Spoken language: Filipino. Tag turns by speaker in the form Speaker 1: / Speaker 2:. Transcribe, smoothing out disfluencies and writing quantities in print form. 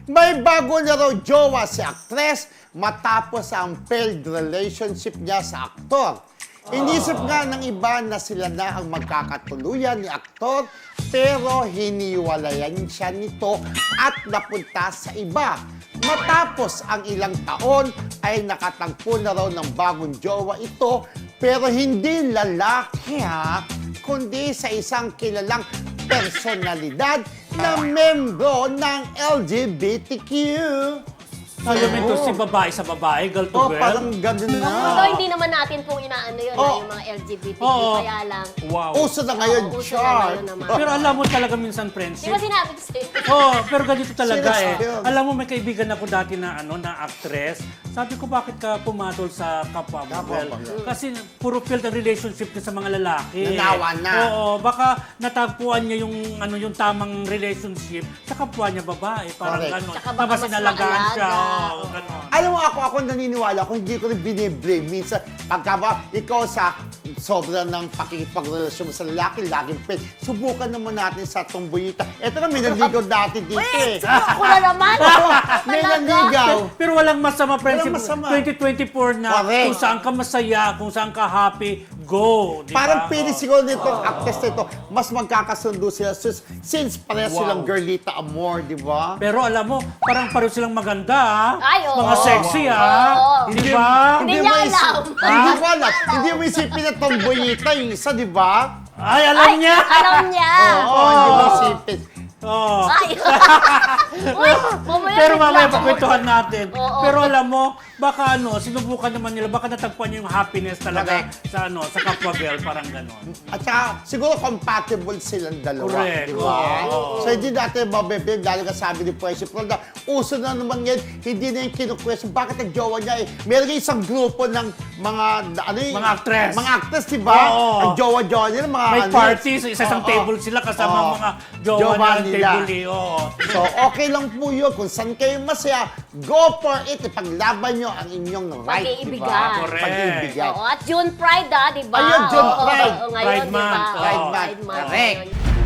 Speaker 1: May bago na raw jowa si aktres matapos ang failed relationship niya sa aktor. Inisip nga ng iba na sila na ang magkakatuluyan ni aktor pero hiniwalayan siya nito at napunta sa iba. Matapos ang ilang taon ay nakatagpo na raw ng bagong jowa ito pero hindi lalaki kundi sa isang kilalang personalidad na membro ng LGBTQ.
Speaker 2: Alam mo ito si babae sa babae, girl to
Speaker 1: Oh,
Speaker 2: girl.
Speaker 1: parang ganun na.
Speaker 3: Although hindi naman natin pong inaano yun, yung mga LGBTQ, kaya lang.
Speaker 2: Wow.
Speaker 1: Uso na ngayon,
Speaker 3: Uso na
Speaker 1: Char.
Speaker 3: ngayon naman.
Speaker 2: Pero alam mo talaga minsan,
Speaker 3: Di
Speaker 2: friendship.
Speaker 3: ba sinabi ko sa'yo?
Speaker 2: Pero ganito talaga
Speaker 1: Serious yun.
Speaker 2: Alam mo, may kaibigan ako dati na na actress. Sabi ko, bakit ka pumatol sa kapwa mo?
Speaker 1: Kapwa
Speaker 2: Well,
Speaker 1: mo.
Speaker 2: kasi puro failed ang relationship niya sa mga lalaki.
Speaker 1: Nanawa na.
Speaker 2: Oo, baka natagpuan niya yung tamang relationship sa kapwa niya babae. Parang
Speaker 1: Correct.
Speaker 2: gano'n.
Speaker 3: Tsaka baka
Speaker 2: Tapos
Speaker 3: mas
Speaker 2: sinalagaan siya.
Speaker 3: maalaga.
Speaker 2: Oo, gano'n.
Speaker 1: Alam mo, ako naniniwala kung hindi ko rin biniblame. Minsan, pagka ba, ikaw sa sobra ng pakikipagrelasyon mo sa lalaki, laging fail. Subukan naman natin sa tomboyita. Ito na, may naligaw dati dito
Speaker 3: Ako na naman!
Speaker 1: May
Speaker 3: Talaga?
Speaker 1: naligaw.
Speaker 2: Pero walang masama, friendship.
Speaker 1: masama.
Speaker 2: 2024 na,
Speaker 1: Correct.
Speaker 2: kung saan ka masaya, kung saan ka happy, go. Di ba?
Speaker 1: Parang pili siguro nitong actress nito, mas magkakasundo sila since pareha
Speaker 2: Wow.
Speaker 1: silang girlita amor, di ba?
Speaker 2: Pero alam mo, parang pareho silang maganda,
Speaker 3: Ay, oo.
Speaker 2: mga sexy,
Speaker 3: Oo.
Speaker 2: Di ba?
Speaker 3: Hindi
Speaker 1: mo
Speaker 3: niya
Speaker 1: isip-
Speaker 3: alam.
Speaker 1: Hindi mo alam. Hindi mo isipin na tomboyita yung isa, di ba?
Speaker 2: Ay, alam niya.
Speaker 3: Alam niya!
Speaker 1: Oo, hindi mo isipin.
Speaker 2: Oh.
Speaker 3: Ay! Uy, mamaya
Speaker 2: Pero mamaya
Speaker 3: bigla.
Speaker 2: pagkwentuhan natin.
Speaker 3: Oo.
Speaker 2: Pero alam mo, baka sinubukan naman nila, baka natagpuan niya yung happiness talaga
Speaker 1: Correct.
Speaker 2: sa kapwa girl, parang gano'n.
Speaker 1: At saka, siguro compatible silang dalawa.
Speaker 2: Correct.
Speaker 1: Di ba?
Speaker 2: Oo.
Speaker 1: So, hindi natin mabibig. Dahil ka sabi ni Pwesyo Prada, uso na naman yan, hindi na yung kinukwestiyon. Bakit ang jowa niya Meron yung isang grupo ng mga,
Speaker 2: Mga actress.
Speaker 1: Mga actress, di ba?
Speaker 2: Oo.
Speaker 1: Ang jowa-jowa nila, mga
Speaker 2: May party, sa isang
Speaker 1: Oo.
Speaker 2: table sila kasama
Speaker 1: Oo.
Speaker 2: ang mga jowa
Speaker 1: Jowa
Speaker 2: niya,
Speaker 1: nila.
Speaker 2: table oo.
Speaker 1: So, okay lang po yun. Kung saan kayo masaya, go for it. Ipaglaban nyo ang inyong right, di
Speaker 3: Pag-iibigan.
Speaker 1: ba?
Speaker 2: Correct.
Speaker 1: Pag-iibigan.
Speaker 3: Oo, at June Pride, di ba?
Speaker 1: Ayun, June
Speaker 3: Oo,
Speaker 1: Pride.
Speaker 3: oo, ngayon,
Speaker 2: Pride
Speaker 3: di ba?
Speaker 2: month.
Speaker 3: Oo,
Speaker 1: Pride month.
Speaker 3: Pride month.
Speaker 1: Correct.
Speaker 3: ngayon.